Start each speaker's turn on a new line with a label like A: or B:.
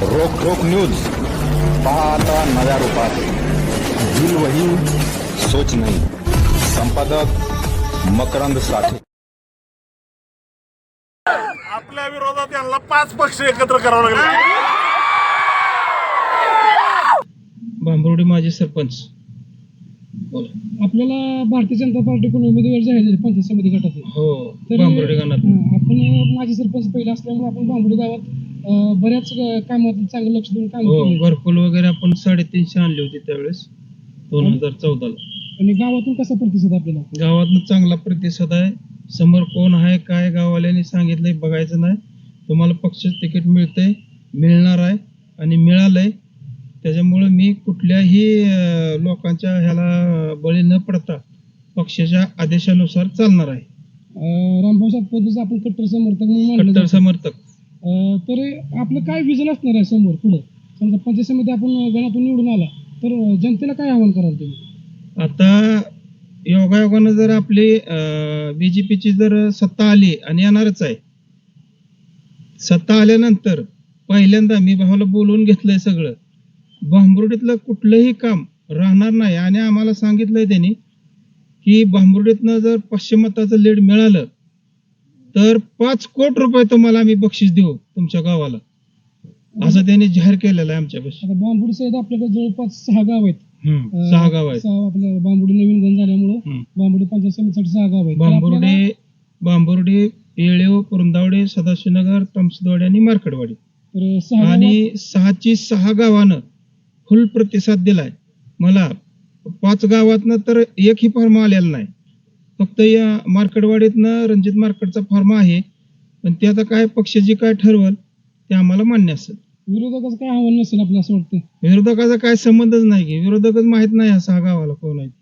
A: रोक रोक न्यूज पहा आता नव्या रूपात. दिल वही सोच नहीं. संपादक मकरंद साठे.
B: आपल्या विरोधात यांना 5 पक्ष एकत्र करावं लागले.
C: भांबरोडी माजी सरपंच.
D: आपल्याला भारतीय जनता पार्टीकडून उमेदवार जाहीर झाले पंचायत समिती गटाचे.
C: हो,
D: तर
C: भांबरोडी गणात.
D: आपण माजी सरपंच पहिले असल्यामुळे आपण भांबरोडी गावात बऱ्याच कामात चांगलं लक्ष देऊन काम
C: हो,
D: केलं.
C: घरकुल वगैरे आपण 350 आणली होती त्यावेळेस 2014ला.
D: आणि गावातून कसा प्रतिसाद आपल्याला?
C: गावातनं चांगला प्रतिसाद आहे. समोर कोण आहे काय गाववाल्यांनी सांगितलंय बघायचं नाही. तुम्हाला पक्ष तिकीट मिळतंय, मिळणार आहे आणि मिळालंय. त्याच्यामुळे मी कुठल्याही लोकांच्या ह्याला बळी न पडता पक्षाच्या आदेशानुसार चालणार आहे.
D: रामभाऊ सातपुतेचं आपण कट्टर समर्थक म्हणून मानलं
C: कट्टर
D: जातं.
C: समर्थक.
D: तर आपलं काय विजन असणार आहे समोर पुढे? समजा पंचायत समिती आपण गणातून निवडून आला तर जनतेला काय आव्हान कराल तुम्ही?
C: आता योगायोगानं जर आपली बीजेपीची जर सत्ता आली आणि येणारच आहे, सत्ता आल्यानंतर पहिल्यांदा मी भावाला बोलवून घेतलंय सगळं. भांबरुडीतलं कुठलंही काम राहणार नाही आणि आम्हाला सांगितलंय त्यांनी की भांबरुडीतनं जर 500 मताचं लीड मिळालं तर 5 कोटी रुपये तुम्हाला आम्ही बक्षीस देऊ तुमच्या गावाला, असं त्यांनी जाहीर केलेलं आहे आमच्यापाशी.
D: आता बांबुडी सहित आपल्याकडे जवळपास 6 गाव आहेत.
C: 6 गाव आहेत.
D: आपल्या बांबुडी नवीन गण झाल्यामुळं बांबुडी पंचायत समितीसाठी 6 गाव आहेत.
C: बांबुर्डी, येळेव, कुरुंदावडे, सदाशिवनगर, तमसदवाडी आणि मार्कडवाडी.
D: तर 6
C: आणि 6 गावानं फुल प्रतिसाद दिलाय मला. 5 गावातनं तर एकही फॉर्म आलेला नाही. फक्त या मार्कडवाडीतनं रणजित मार्कडचा फॉर्म आहे, पण ते आता काय पक्ष जे काय ठरवल ते आम्हाला मान्य असेल.
D: विरोधकाचं काय आव्हान नसेल आपल्याला असं वाटतं?
C: विरोधकाचा काय संबंधच नाही की, विरोधकच माहित नाही या 6 गावाला कोण आहे.